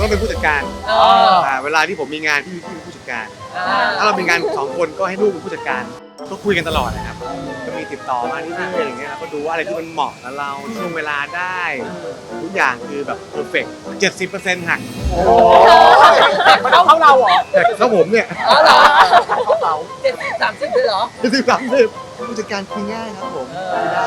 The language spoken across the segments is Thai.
ต้องเป็นผู้จัดการเวลาที่ผมมีงานพี่เป็นผู้จัดการถ้าเรามีงาน2 คนก็ให้ลูกเป็นผู้จัดการก็คุยกันตลอดนะครับก็มีติดต่อมาเรื่อยๆอย่างเงี้ยเราก็ดูว่าอะไรที่มันเหมาะกับเราช่วงเวลาได้ทุกอย่างคือแบบเพอร์เฟกต์ 70% หักโอ้มันเอาเขาเราเหรอแต่ถ้าผมเนี่ยอ๋อเหรอเขา70-30เลยเหรอ 70-30ผู้จัดการคุยง่ายครับผมคุยได้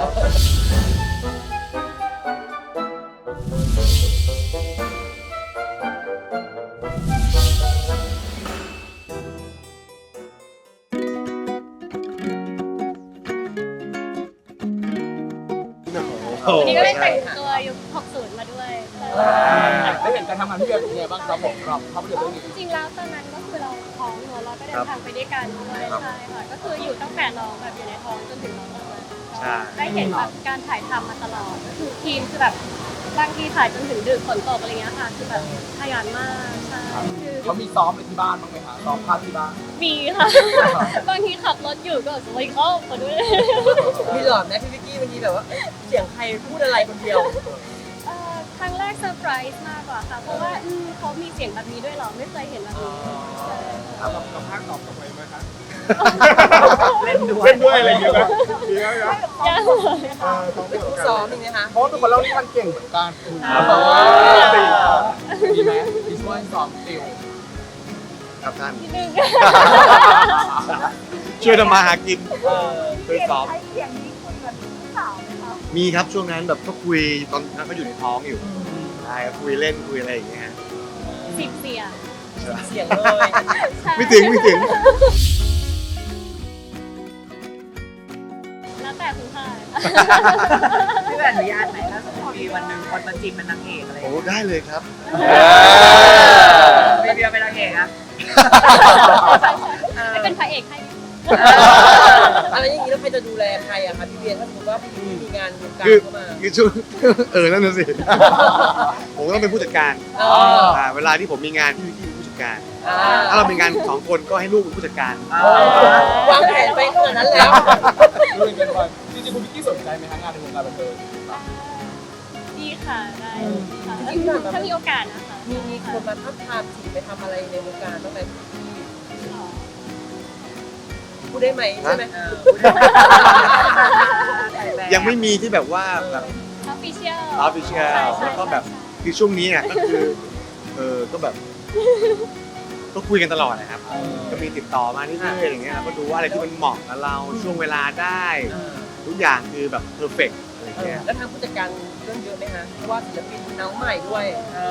วันนี้ก็ได้แต่งตัวยุค 60 มาด้วยได้เห็นการทำงานพี่เบียร์เป็นไงบ้างครับผมครับภาพยนตร์เรื่องนี้จริงๆแล้วตอนนั้นก็คือเราท้องเนอะเราก็เดินทางไปด้วยกันด้วยใช่ค่ะก็คืออยู่ตั้งแต่น้องแบบอยู่ในท้องจนถึงน้องออกมาได้เห็นแบบการถ่ายทำมาตลอดก็คือทีมคือแบบบางทีถ่ายจนถึงดึกฝนตกอะไรเงี้ยค่ะคือแบบขยันมากใช่คือเขามีซ้อมไปที่บ้านบ้างไหมคะซ้อมภาพที่บ้านมีค่ะ บางทีขับรถอยู่ก็สวยเข้ามาด้วยมีหลอดไหมพี่วิกกี้วันนี้แบบว่าเสียงใครพูดอะไรคนเดียวครั้งแรกเซอร์ไพรส์มากกว่าค่ะเพราะว่าเขามีเสียงแบบนี้ด้วยเหรอไม่เคยเห็นแบบนี้ใช่แล้วกับภาคตอบทำไมไหมคะเล่นด้วยอะไรอย่างเงี้ยนะดีแล้วนะยังเลยค่ะเป็นผู้ซ้อมอีกนะคะเพราะว่าทุกคนเล่านี่มันเก่งเหมือนกันดีไหมดีช่วยซ้อมติวครับท่านนิดนึงช่วยทำมาหากินช่วยซ้อมเสียงนี้คุยกับพี่สาวไหมคะมีครับช่วงนั้นแบบก็คุยตอนนั้นก็อยู่ในท้องอยู่ใช่คุยเล่นคุยอะไรอย่างเงี้ยฮะ 10 เสียงเสียงเลยใช่ไม่ถึงแล้วแต่คุณค่ะพี่แหวนอนุญาตไหมถ้าสมมติมีวันหนึ่งคนมาจีบเป็นนางเอกอะไรอย่างโอ้เงี้ยได้เลยครับพี่เบียร์เป็นนางเอกอะไม่เป็นพระเอกให้อะไรอย่างนี้แล้วใครจะดูแลใครอะคะพี่เบียร์ถ้าสมมติว่าพี่มีงานวงการคือเข้ามาคือช่วง นั่นน่ะสิ ผมก็ต้องเป็นผู้จัดการ เวลาที่ผมมีงานพี่เป็นผู้จัดการถ้าเรามีงาน2 คนก็ให้ลูกเป็นผู้จัดการวางแผนไปขนาดนั้นแล้วรู้เป็นกันไปจริงๆคุณพิกกี้สนใจไหมฮะงานในวงการบันเทิงดีค่ะได้ค่ะถ้ามีโอกาสนะคะมีคนมาทับทามจีบไปทำอะไรในวงการบ้างไหมพูดได้ไหมใช่ไหมยังไม่มีที่แบบว่าแบบออฟฟิเชียลออฟฟิเชียลแล้วก็แบบคือช่วงนี้เนี่ยก็คือก็แบบก็คุยกันตลอดนะครับก็มีติดต่อมาเรื่อยๆอย่างเงี้ยเราก็ดูว่าอะไรที่มันเหมาะกับเราช่วงเวลาได้ทุกอย่างคือแบบเพอร์เฟกต์อะไรเงี้ยแล้วทางผู้จัดการเรื่องเยอะไหมฮะเพราะว่าศิลปินน้องใหม่ด้วย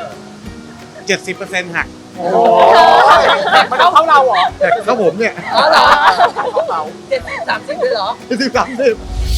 70% หักโอ้มันเอาเขาเราเหรอแต่ถ้าผมเนี่ยอ๋อเหรอเขาเรา 70-30เลยเหรอ 70-30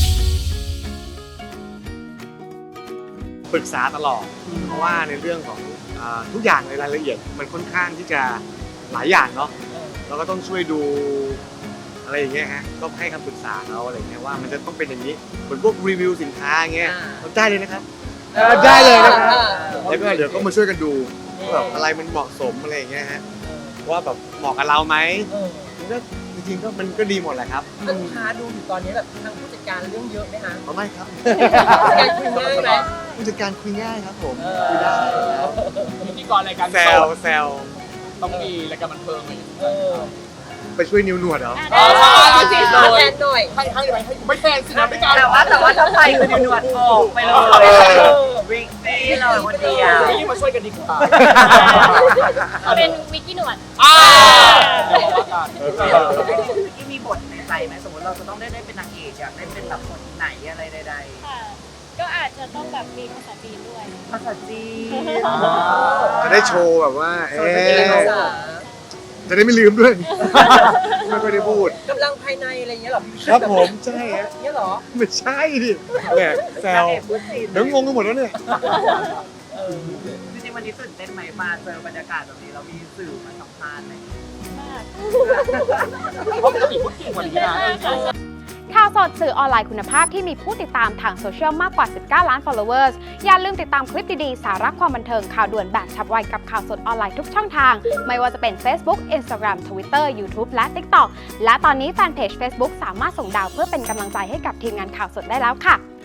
ปรึกษาตลอดเพราะว่าในเรื่องของทุกอย่างในรายละเอียดมันค่อนข้างที่จะหลายอย่างเนาะเราก็ต้องช่วยดูอะไรอย่างเงี้ยฮะก็ให้คำปรึกษาเขาอะไรเงี้ยว่ามันจะต้องเป็นอย่างนี้เหมือนพวกรีวิวสินค้าอย่างเงี้ยเราได้เลยนะครับได้เลยนะครับแล้วก็เดี๋ยวก็มาช่วยกันดูแบบอะไรมันเหมาะสมอะไรอย่างเงี้ยฮะว่าแบบเหมาะกับเราไหมก็จริงๆก็มันก็ดีหมดแหละครับลูกค้าดูอยู่ตอนนี้แบบทางผู้จัดการเรื่องเยอะไหมฮะไม่ครับผู้จัดการคุยง่ายไหมผู้จัดการคุยง่ายครับผมคุยได้พิธีกรรายการแซวแซวต้องมีรายการบันเทิงอะไรอย่างเงี้ยไปช่วยนิวหนวดเหรอแทนหน่อยให้ไม่แทนสินะไม่การแต่ว่าถ้าไปคือหนวดออกไปเลยวิกซี่เลยคนเดียวนี่มาช่วยกันดีกว่าเป็นวิกกี้หนวดเดี๋ยวว่ากันที่มีบทในใจไหมสมมติเราจะต้องได้เป็นนางเอกอยากได้เป็นแบบคนไหนอะไรใดค่ะ ก็อาจจะต้องแบบมีภาษาจีนด้วยๆภาษาจีนจะได้โชว์แบบว่าภาษาจะได้ไม่ลืมด้วย ไม่ค่อยได้พูดกำลังภายในอะไรอย่างเงี้ยหรอครับผมใช่ฮะเงี้ยหรอไม่ใช่ดิแหมแซนางวเอกพูดจีนเดี๋ยวงงกันหมดแล้วเนี่ยจริงๆวันนี้ตื่นเต้นไหมมาเจอบรรยากาศแบบนี้เรามีสื่อมาสัมภาษณ์ไหมมากเพราะปกติพูดเก่งกว่านี้นะข่าวสดสื่อออนไลน์คุณภาพที่มีผู้ติดตามทางโซเชียลมากกว่า 19 ล้าน followers อย่าลืมติดตามคลิปดีๆ สาระความบันเทิงข่าวด่วนแบบฉับไวกับข่าวสดออนไลน์ทุกช่องทาง ไม่ว่าจะเป็น Facebook Instagram Twitter YouTube และ TikTok และตอนนี้แฟนเพจ Facebook สามารถส่งดาวเพื่อเป็นกำลังใจให้กับทีมงานข่าวสดได้แล้วค่ะ